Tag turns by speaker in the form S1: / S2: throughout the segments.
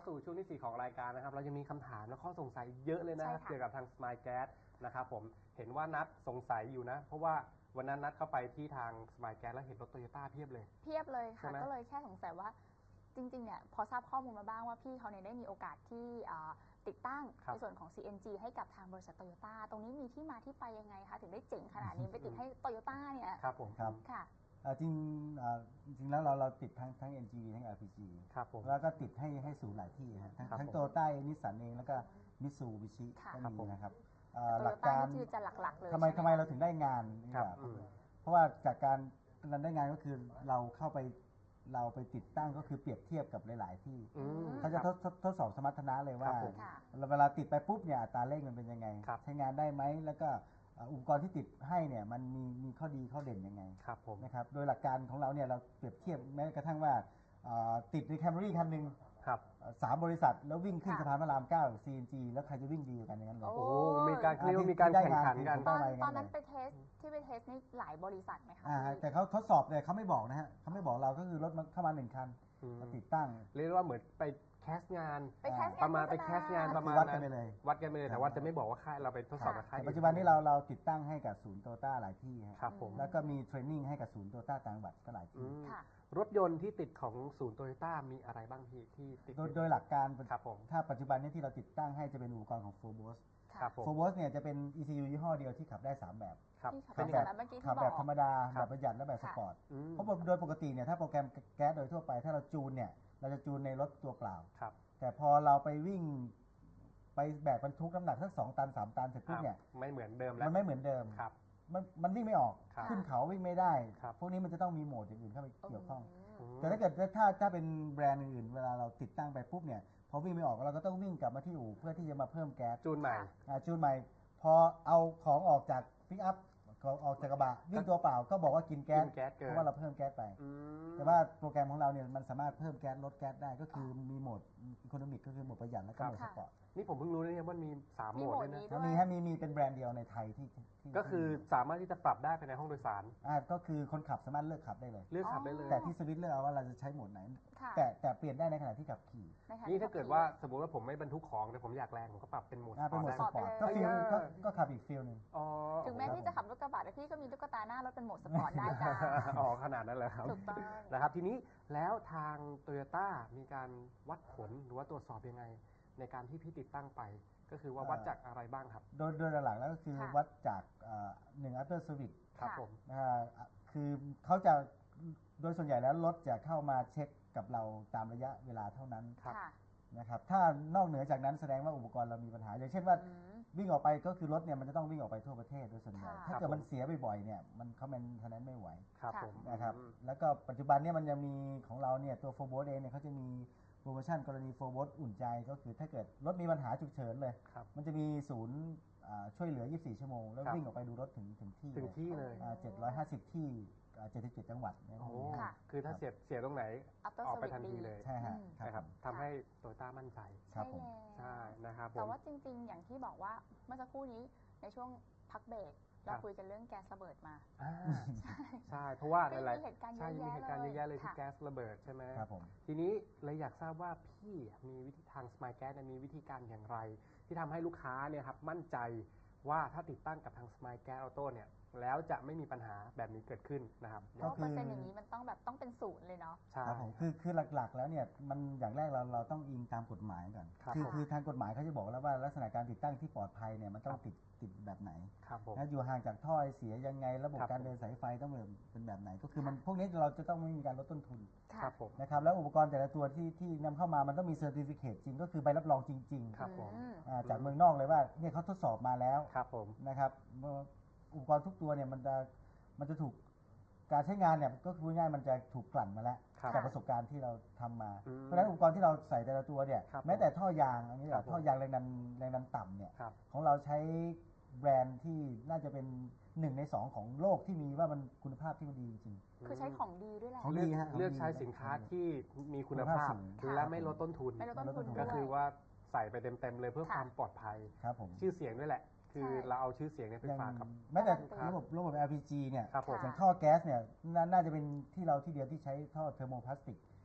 S1: สู่ช่วงที่ 4 ของรายการนะครับเรายังมีคำถามและข้อสงสัยเยอะเลยนะเกี่ยวกับทาง Smile Gas นะครับผมเห็นว่านัดสงสัยอยู่นะเพราะว่าวันนั้นนัดเข้าไปที่ทาง Smile Gas แล้วเห็นรถ Toyota เพียบเลย
S2: ค่ะก็เลยแค่สงสัยว่าจริงๆเนี่ยพอทราบข้อมูลมาบ้างว่าพี่เขาเนี่ยได้มีโอกาสที่ติดตั้งในส่วนของ CNG ให้กับทางบริษัท Toyota ตรงนี้มีที่มาที่ไปยังไงคะถึงได้เจ๋งขนาดนี้ไปติดให้ Toyota เนี่ย
S1: ครับผม
S3: ครับ
S2: ค่ะ
S3: จริงแล้วเราติดทั้ง NGV ทั้ง LPG
S1: ครับผม
S3: แล้วก็ติดให้ศูนย์หลายที่ทั้งโตโยต้านิสสันเองแล้วก็มิตซูบิชิก็มีนะครับ
S2: หลักการคือจะหลักๆเลย
S3: ทำไมเราถึงได้งานนี่แบบเพราะว่าจากการได้งานก็คือเราไปติดตั้งก็คือเปรียบเทียบกับหลายๆที่เขาจะทดสอบสมรรถนะเลยว่าเวลาติดไปปุ๊บเนี่ยอัตราเร่งมันเป็นยังไงใช้งานได้ไหมแล้วก็อุปกรณ์ที่ติดให้เนี่ยมันมีข้อดีข้อเด่นยังไงนะครับโดยหลักการของเราเนี่ยเราเปรียบเทียบแม้กระทั่งว่าติดในแคมรี่คันหนึ่ง3 บริษัทแล้ววิ่งขึ้นสะพานพระราม 9 CNG แล้วใครจะวิ่งดีกันอย่างนั้นเลย
S1: โอ้มีการเรียกว่ามีการแข่งขันกัน
S2: ตอนนั้นไปเทสนี่หลายบริษัทไหมคะ
S3: แต่เขาทดสอบเลยเขาไม่บอกนะฮะเขาไม่บอกเราก็คือรถมันเข้ามา1 คันติดตั้ง
S1: เรียกว่าเหมือนไปแคสงานประมาณไปแคสงานประมาณ
S3: วัดกันไปเลย
S1: แต่ว่าจะไม่บอกว่าค่ายเราไปทดสอบกับค่าย
S3: ปัจจุบันนี้เราติดตั้งให้กับศูนย์โตโยต้าหลายที่
S1: ครับผม
S3: แล้วก็มีเทรนนิ่งให้กับศูนย์โตโยต้าต่างจังหวัดก็หลายที่
S1: รถยนต์ที่ติดของศูนย์โตโยต้ามีอะไรบ้างที่ติด
S3: โดยหลักการ
S1: ครับผม
S3: ถ้าปัจจุบันนี้ที่เราติดตั้งให้จะเป็นอุปกรณ์ของ Phobos Phobos เนี่ยจะเป็น ECU ยี่ห้อเดียวที่ขับได้3 แบบ
S2: ขับ
S3: แบบธรรมดาแบบประหยัดและแบบสปอร์ตเพราะโดยปกติเนี่ยถ้าโปรแกรมแก๊สโดยทั่วไปถ้าเราจูนเนี่ยเราจะจูนในรถตัวเปล่าแต่พอเราไปวิ่งไปแบกบรรทุกน้ำหนักสัก2 ตัน 3 ตันเสร็จปุ๊บเนี่ย
S1: ไม่เหมือนเดิมแล้ว
S3: มันไม่เหมือนเดิมมันวิ่งไม่ออกขึ้นเขาวิ่งไม่ได้พวกนี้มันจะต้องมีโหมดอย่างอื่นเข้าไปเกี่ยวข้องแต่ถ้าเกิดถ้าเป็นแบรนด์อื่นเวลาเราติดตั้งไปปุ๊บเนี่ยพอวิ่งไม่ออกเราก็ต้องวิ่งกลับมาที่อู่เพื่อที่จะมาเพิ่มแก๊ส
S1: จูนให
S3: ม่พอเอาของออกจากปิกอัพออกจากกระบะวิ่งตัวเปล่าก็บอกว่ากินแก๊สเพราะว่าเราเพิ่มแก๊สไปแต่ว่าโปรแกรมของเราเนี่ยมันสามารถเพิ่มแก๊สลดแก๊สได้ก็คือมีโหมดอีโคโนมิกก็คือโหมดประหยัดและก็โหมดสปอร์ต
S1: นี่ผมเพิ่งรู้เลยว่ามี3 โหมดเลยนะ
S3: มีเป็นแบรนด์เดียวในไทยที่
S1: ก็คือสามารถที่จะปรับได้ภายในห้องโดยสาร
S3: ก็คือคนขับสามารถเลือกขับได้เลย
S1: แต่
S3: ที่สวิตช์เลือกเอาว่าเราจะใช้โหมดไหนแต่เปลี่ยนได้ในขณะที่ขับขี่
S1: นี่ถ้าเกิดว่าสมมติว่าผมไม่บรรทุกของแต่ผมอยากแรงผมก็ปรับเป็นโหมดส
S3: ปอร์ตก็ฟีลก็ขับอีกฟีลนึง
S2: ถึงแม้ที่จะขับรถกระบะแต่พี่ก็มีตุ๊กตาหน้ารถเป็นโหมดสปอร์ตได้จ้า
S1: ขนาดนั้นเลยครับ
S2: ถูกต้อง
S1: นะครับทีนี้แล้วทาง Toyota มีการวัดผลหรือว่าตรวจสอบยังไงในการที่พี่ติดตั้งไปก็คือว่าวัดจากอะไรบ้างครับ
S3: โดยหลักแล้วก็คือวัดจาก1 after service
S1: ครับผม
S3: คือเขาจะโดยส่วนใหญ่แล้วรถจะเข้ามาเช็คกับเราตามระยะเวลาเท่านั้นนะครับถ้านอกเหนือจากนั้นแสดงว่าอุปกรณ์เรามีปัญหาอย่างเช่นว่าวิ่งออกไปก็คือรถเนี่ยมันจะต้องวิ่งออกไปทั่วประเทศโดยส่วนใหญ่ถ้าเกิดมันเสียบ่อยๆเนี่ยมันเขาเป็นทนั้นไม่ไหวนะครับแล้วก็ปัจจุบันเนี่ยมันยังมีของเราเนี่ยตัวโฟร์โบสเองเนี่ยเขาจะมีโปรโมชั่นกรณีโฟร์โบสอุ่นใจก็คือถ้าเกิดรถมีปัญหาฉุกเฉินเลยมันจะมีศูนย์ช่วยเหลือ24 ชั่วโมงแล้ววิ่งออกไปดูรถถึง
S1: ที่เลย
S3: 750 ที่77 จังหวัด
S1: คือถ้าเสียตรงไหนออกไปทันทีเลย
S3: ใช่
S1: ครับทำให้โตโยต้ามั่นใจใช่นะครับ
S2: แต่ว่าจริงๆอย่างที่บอกว่าเมื่อสักครู่นี้ในช่วงพักเบรกเราคุยกันเรื่องแก๊สระเบิดมา
S1: ใช่เพราะว่าอะไร
S2: มีเหตุการณ์เย
S1: อะแยะเลยที่แก๊สระเบิดใช่ไหมทีนี้เลยอยากทราบว่าพี่มีวิธีทาง Smile Gas มีวิธีการอย่างไรที่ทำให้ลูกค้าเนี่ยครับมั่นใจว่าถ้าติดตั้งกับทาง Smile Gas Auto เนี่ยแล้วจะไม่มีปัญหาแบบนี้เกิดขึ้นนะครับ
S2: เพราะเปอร์เซ็นต์อย่างนี้มันต้องเป็น0เลยเนาะ
S3: ใช่คือหลักๆแล้วเนี่ยมันอย่างแรกเราต้องอิงตามกฎหมายก่อนคือทางกฎหมายเขาจะบอกแล้วว่าลักษณะการติดตั้งที่ปลอดภัยเนี่ยมันต้องติดแบบไหนอยู่ห่างจากท่อเสียยังไงระบบการเดินสายไฟต้องเป็นแบบไหนก็คือมันพวกนี้เราจะต้องไม่มีการลดต้นทุนนะครับแล้วอุปกรณ์แต่ละตัวที่นำเข้ามามันต้องมีเซอร์ติฟิเคตจริงก็คือใบรับรองจริงๆจากเมืองนอกเลยว่าเนี่ยเขาทดสอบมาแล้วนะครับอุปกรณ์ทุกตัวเนี่ยมันจะถูกการใช้งานเนี่ยก็คือง่ายมันจะถูกกลั่นมาแล้วจากประสบการณ์ที่เราทำมาเพราะฉะนั้นอุปกรณ์ที่เราใส่แต่ละตัวเนี่ยแม้แต่ท่อยางอันนี้ท่อยางแรงดันต่ำเนี่ยของเราใช้แบรนด์ที่น่าจะเป็น1 ใน 2ของโลกที่มีว่ามันคุณภาพที่มันดีจริง
S2: คือใช้ของดีด้วยแหละ
S1: เลือกใช้สินค้าที่มีคุณภาพและไม่ลดต้นทุนก็คือว่าใส่ไปเต็มเลยเพื่อความปลอดภัยชื่อเสียงด้วยแหละคือเราเอาชื่อเสียงเนี่ยไปฝากกับ
S3: แม้แต่ระบบ LPG เนี่ยอย่างท่อแก๊สเนี่ยน่าจะเป็นที่เราที่เดียวที่ใช้ท่อเทอร์โมพลาสติก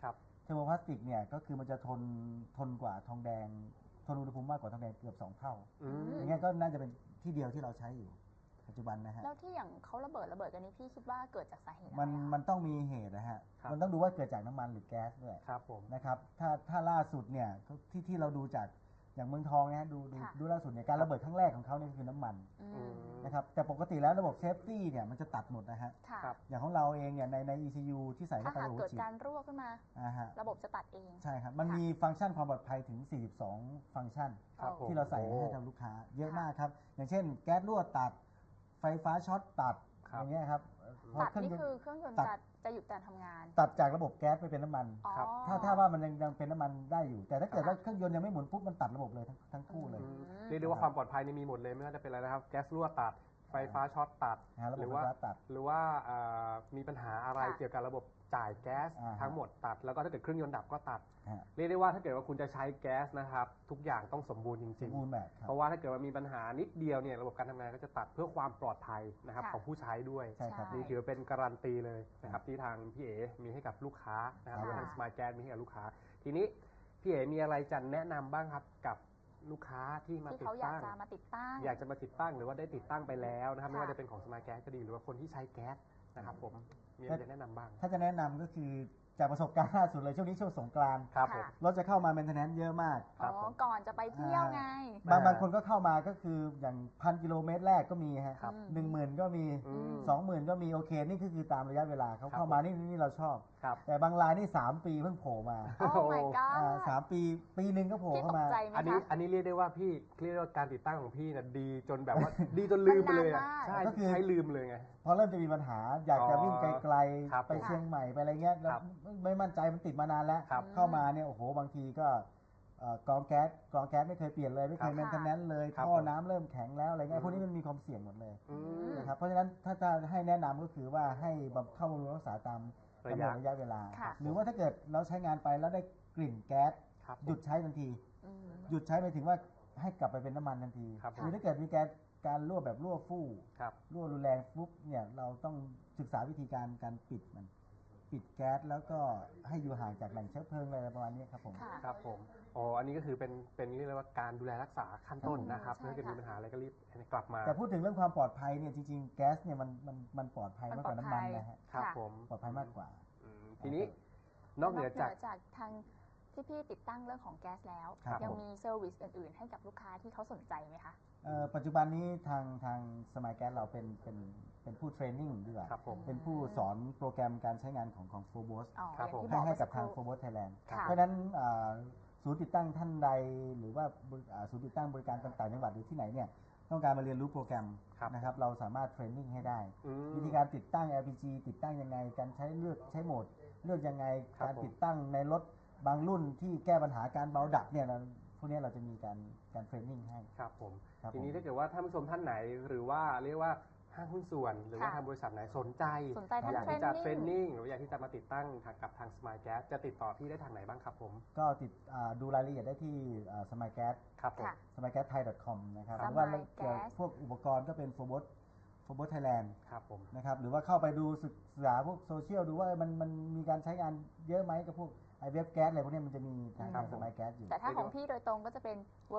S3: เทอร์โมพลาสติกเนี่ยก็คือมันจะทนกว่าทองแดงทนอุณหภูมิมากกว่าทองแดงเกือบ2 เท่าอย่างเงี้ยก็น่าจะเป็นที่เดียวที่เราใช้อยู่ปัจจุบันนะฮะ
S2: แล้วที่อย่างเขาระเบิดกันนี้พี่คิดว่าเกิดจากสาเหตุอะไร
S3: มันต้องมีเหตุนะฮะมันต้องดูว่าเกิดจากน้ำมันหรือแก๊สด้วย
S1: ครับผม
S3: นะครับถ้าล่าสุดเนี่ยที่เราดูจากอย่างเมืองทองนะดูล่าสุดเนี่ยการระเบิดครั้งแรกของเขาเนี่ยคือน้ำมันนะครับแต่ปกติแล้วระบบเซฟตี้เนี่ยมันจะตัดหมดนะฮะอย่างของเราเองเนี่ยใน ECU ที่ใส่เข้าไป
S2: ถ้าเกิดการรั่วขึ้นมาระบบจะตัดเอง
S3: ใช่ครับมันมีฟังก์ชันความปลอดภัยถึง42ฟังก์ชันที่เราใส่ให้กับลูกค้าเยอะมากครับอย่างเช่นแก๊สรั่วตัดไฟฟ้าช็อตตัดอย่างเงี้ยครับ
S2: ตัดนี่คือเครื่องยนต์จะหยุดการทำงาน
S3: ตัดจากระบบแก๊สไปเป็นน้ำมันถ้าว่ามันยังเป็นน้ำมันได้อยู่แต่ถ้าเกิดว่าเครื่องยนต์ยังไม่หมุนปุ๊บมันตัดระบบเลยทั้งคู่เลย
S1: เรียกได้ว่าความปลอดภัยนี่มีหมดเลยไม่ว่าจะเป็นอะไรนะครับแก๊สรั่วตัดไฟฟ้าช็อตตัดหรือว่ามีปัญหาอะไรเกี่ยวกับระบบจ่ายแก๊สทั้งหมดตัดแล้วก็ถ้าเกิดเครื่องยนต์ดับก็ตัดเรียกได้ว่าถ้าเกิดว่าคุณจะใช้แก๊สนะครับทุกอย่างต้องสมบูรณ์จริงๆเพราะว่าถ้าเกิดว่ามีปัญหานิดเดียวเนี่ยระบบการทำงานก็จะตัดเพื่อความปลอดภัยนะครับของผู้ใช้ด้วยนี่ถือเป็นการันตีเลยนะครับที่ทางพี่เอ๋มีให้กับลูกค้านะครับทาง Smart Gas มีให้กับลูกค้าทีนี้พี่เอ๋มีอะไรจะแนะนำบ้างครับกับลูกค้าที่มาติดตั้งอยากจะมาติดตั้งหรือว่าได้ติดตั้งไปแล้วนะครับไม่ว่าจะเป็นของ Smart Gas ก็ดีหรือว่าคนที่ใช้แก๊สนะครับผมมีอะไรจะแนะนำบ้าง
S3: ถ้าจะแนะนำก็คือจากประสบการณ์ล่าสุดเลยช่วงนี้ช่วงสงกรานต์รถจะเข้ามาเมนเทนแนนซ์เยอะมาก
S2: ก่อนจะไปเที่ยวไง
S3: บางคนก็เข้ามาก็คืออย่าง1,000 กิโลเมตรแรกก็มีฮะ10,000ก็มี20,000ก็มีโอเคนี่คือตามระยะเวลาเขาเข้ามานี่เราชอบแต่บางรายนี่3 ปีเพิ่งโผล่มา
S2: โอ้ my god
S3: 3 ปีนึงก็โผล่เข้ามา
S1: อันนี้เรียกได้ว่าพี่เรียกว่าการติดตั้งของพี่น่ะดีจนแบบว่าดีจนลืมไปเลยใช่ก็คือใช้ลืมเลยไง
S3: พอเริ่มจะมีปัญหาอยากจะวิ่งไกลๆไปเชียงใหม่ไปอะไรเงี้ยแล้วไม่มั่นใจมันติดมานานแล้วเข้ามาเนี่ยโอ้โหบางทีก็กรองแก๊สไม่เคยเปลี่ยนเลยไม่เคยแมนเทนแนนซ์เลยท่อน้ำเริ่มแข็งแล้วอะไรเงี้ยพวกนี้มันมีความเสี่ยงหมดเลยนะครับเพราะฉะนั้นถ้าจะให้แนะนำก็คือว่าให้เข้าบำรุงรักษาตามกำหนดระยะเวลาหรือว่าถ้าเกิดเราใช้งานไปแล้วได้กลิ่นแก๊สหยุดใช้ทันทีหยุดใช้หมายถึงว่าให้กลับไปเป็นน้ำมันทันทีหรือถ้าเกิดมีการรั่วแบบรั่วฟู่รั่วรุนแรงปุ๊บเนี่ยเราต้องศึกษาวิธีการปิดแก๊สแล้วก็ให้อยู่ห่างจากแหล่งเชื้อเพลิงอะไรประมาณนี้ครับผม
S1: ครับผมอันนี้ก็คือเป็นเรียกว่าการดูแลรักษาขั้นต้นนะครับถ้าเกิดมีปัญหาอะไรก็รีบกลับมา
S3: แต่พูดถึงเรื่องความปลอดภัยเนี่ยจริงๆแก๊สเนี่ยมันปลอดภัยมากกว่าน้ำมันนะฮะ
S1: ครับผม
S3: ปลอดภัยมากกว่า
S1: ทีนี้นอกเหนือจาก
S2: ทางที่พี่ติดตั้งเรื่องของแก๊สแล้วยังมีเซอร์วิสอื่นๆให้กับลูกค้าที่เขาสนใจไหมคะ
S3: ปัจจุบันนี้ทางสมัยแก๊สเราเป็นผู้เทรนนิ่งดีกว่าเป็นผู้สอนโปรแกรมการใช้งานของโฟร์บอสให้กับทางโฟร์บอสไทยแลนด์เพราะฉะนั้นศูนย์ติดตั้งท่านใดหรือว่าศูนย์ติดตั้งบริการต่างๆจังหวัดหรือที่ไหนเนี่ยต้องการมาเรียนรู้โปรแกรมนะครับเราสามารถเทรนนิ่งให้ได้วิธีการติดตั้ง LPG ติดตั้งยังไงการใช้โหมดเลือกยังไงการติดตั้งในรถบางรุ่นที่แก้ปัญหาการเบาดับเนี่ยพวกนี้เราจะมีการเทรนนิ่งให้
S1: ครับผมทีนี้ถ้าเกิดว่าท่านผู้ชมท่านไหนหรือว่าเรียกว่าห้างหุ้นส่วนหรือว่าทางบริษัทไหนสนใจอยากที่จะเทรนนิ่งหรืออยากที่จะมาติดตั้งกับทาง Smart Gas จะติดต่อพี่ได้ทางไหนบ้างครับผม
S3: ก็ดูรายละเอียดได้ที่ Smart Gas
S1: ครับผม
S3: smartgasthai.com นะครับหรือว่าพวกอุปกรณ์ก็เป็น Forbos Thailand
S1: ครับผม
S3: นะครับหรือว่าเข้าไปดูศึกษาพวกโซเชียลดูว่ามันมีการใช้งานเยอะไหมกับพวกเว็บแก๊สอะไรพวกนี้มันจะมีทาง Smart Gas อยู่
S2: แต่ถ้าของพี่โดยตรงก็จะเป็น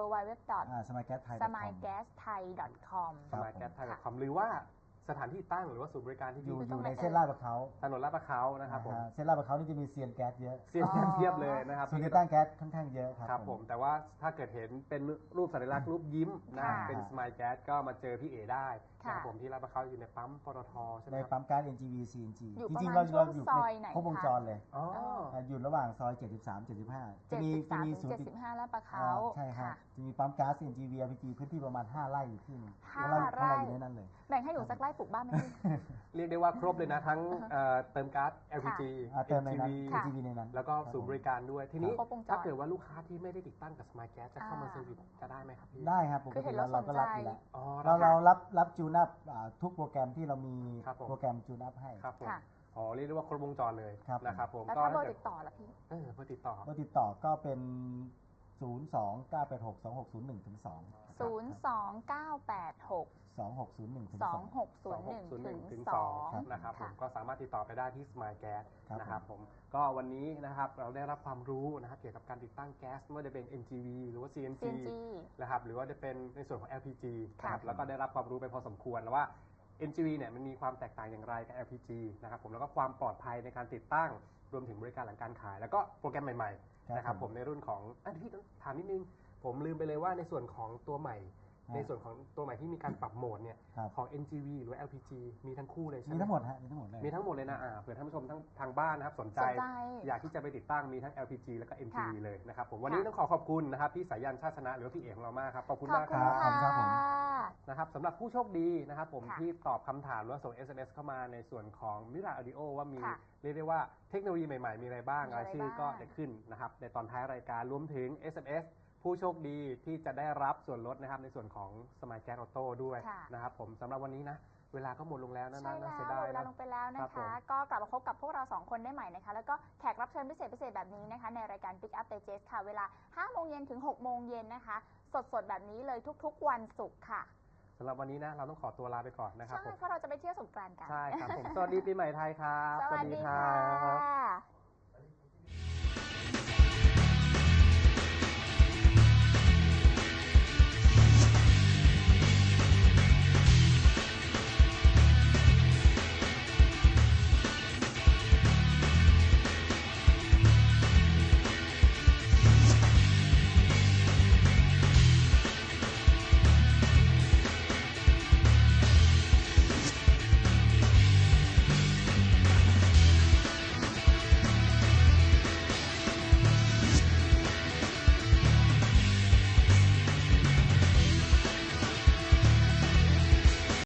S2: www.smartgasthai.com
S1: smartgasthai.com หรือว่าสถานที่ตั้งหรือว่าศูนย์บริการที่
S3: อยู่ในเส้นลาดพร้าว
S1: ถนนลาดพร้าวนะครับผม
S3: เส้นลาดพร้าวนี่จะมีเซียนแก๊สเยอะ
S1: เซียนแก๊สเทียบเลยนะครับ
S3: ศูนย์ติดตั้งแก๊สค่อนข้างเยอะ
S1: ครับผมแต่ว่าถ้าเกิดเห็นเป็นรูปสัญลักษณ์รูปยิ้มนะเป็น Smart Gas ก็มาเจอพี่เอได้นะครับผมที่ลาดพร้าวอยู่ในปั๊มปตทใช่ไหม
S3: ในปั๊มก๊าซ NGV CNG
S2: จริงๆเราอยู่
S3: ในครบวงจรเลยอยู่ระหว่างซอย73-75จะมีศูนย์
S2: 75ลาดพร้าว
S3: ใช่ครับจะมีปั๊มก๊าซ NGV LPG พื้นที่ประมาณ5 ไร่อยู่ที่นึง5 ไร่อยู่ในนั้นเลย
S2: แบ่งให้หนูสักไร่ปลูกบ้านไหม
S1: เรียกได้ว่าครบเลยนะทั้งเติมก๊าซ LPG
S3: เติมในนั้น NGV ในนั้น
S1: แล้วก็ศูนย์บริการด้วยทีนี้ถ้าเกิดว่าลูกค้าที่ไม่ได้ติดตั้งกับ Smart Gas จะเข้ามาเซอร์วิสจะได้ไหมครับพี่
S3: ได้ครับปกติเราก็รับอยู่แล้วเรารับจูนอัพทุกโปรแกรมที่เรามีโปรแกรมจูนอัพให้
S1: ครับผมเรียกได้ว่าครบวงจรเลยนะครับผม
S2: แล้วถ้าเบอร์ติดต่อล่ะพี่
S3: เบอร์ติดต่อก็เป็น 02-986-2601 ถึง 2
S2: 02986
S3: 2601 ถึง
S2: 2601ถึง 2
S1: นะครับผม
S2: ค่ะ
S1: ก็สามารถติดต่อไปได้ที่ Smile Gas
S3: ครับ
S1: นะครับผมก็วันนี้นะครับเราได้รับความรู้นะครับเกี่ยวกับการติดตั้งแก๊สไม่ว่าจะเป็น NGV หรือว่า CNG นะครับหรือว่าจะเป็นในส่วนของ LPG นะครับแล้วก็ได้รับความรู้ไปพอสมควรแล้วว่า NGV เนี่ยมันมีความแตกต่างอย่างไรกับ LPG นะครับผมแล้วก็ความปลอดภัยในการติดตั้งรวมถึงบริการหลังการขาย แล้วก็โปรแกรมใหม่ๆนะครับผมในรุ่นของพี่ถามนิดนึงผมลืมไปเลยว่าในส่วนของตัวใหม่ในส่วนของตัวใหม่ที่มีการปรับโหมดเนี่ยของ NGV หรือว่า LPG มีทั้งคู่เลยใช่ไหม
S3: มีทั้งหมดฮะมีทั้งหมดเลย
S1: มีทั้งหมดเลยนะเผื่อท่านผู้ชมทางบ้านนะครับสนใจอยากที่จะไปติดตั้งมีทั้ง LPG แล้วก็ NGV เลยนะครับผมวันนี้ต้องขอบคุณนะครับพี่สายันชาติชนะหรือพี่เอกของเรามากครับขอบคุณมากครับ
S3: ขอบคุณครับผม
S1: นะครับสำหรับผู้โชคดีนะครับผมที่ตอบคำถามหรือว่าส่ง SMS เข้ามาในส่วนของมิราออดิโอว่ามีเรียกได้ว่าเทคโนโลยีใหม่ๆมีอะไรบ้างรายชื่อก็จะขึ้นนะครับในตอนท้ายรายการรวมถึง SMS ผู้โชคดีที่จะได้รับส่วนลดนะครับในส่วนของ Smile Gas Auto ด้วยนะครับผมสำหรับวันนี้นะเวลาก็หมดลงแล้วนะ
S2: ใช่
S1: น่า
S2: แล้
S1: เสียว ดาย
S2: เวลา
S1: นะ
S2: ลงไปแล้วนะคะก็กลับมาพบกับพวกเรา2คนได้ใหม่นะคะแล้วก็แขกรับเชิญพิเศษแบบนี้นะคะในรายการ Pick Up Digest ค่ะเวลา 5 โมงเย็นถึง 6 โมงเย็นนะคะสดแบบนี้เลยทุกๆวันศุกร์ค่ะ
S1: สำหรับวันนี้นะเราต้องขอตัวลาไปก่อนนะครับ
S2: ใช่เพราะเราจะไปเที่ยวสงกรานต์กัน
S1: ใช่ครับผมสวัสดีปีใหม่ไทยครับ
S2: สวัสดีค่ะ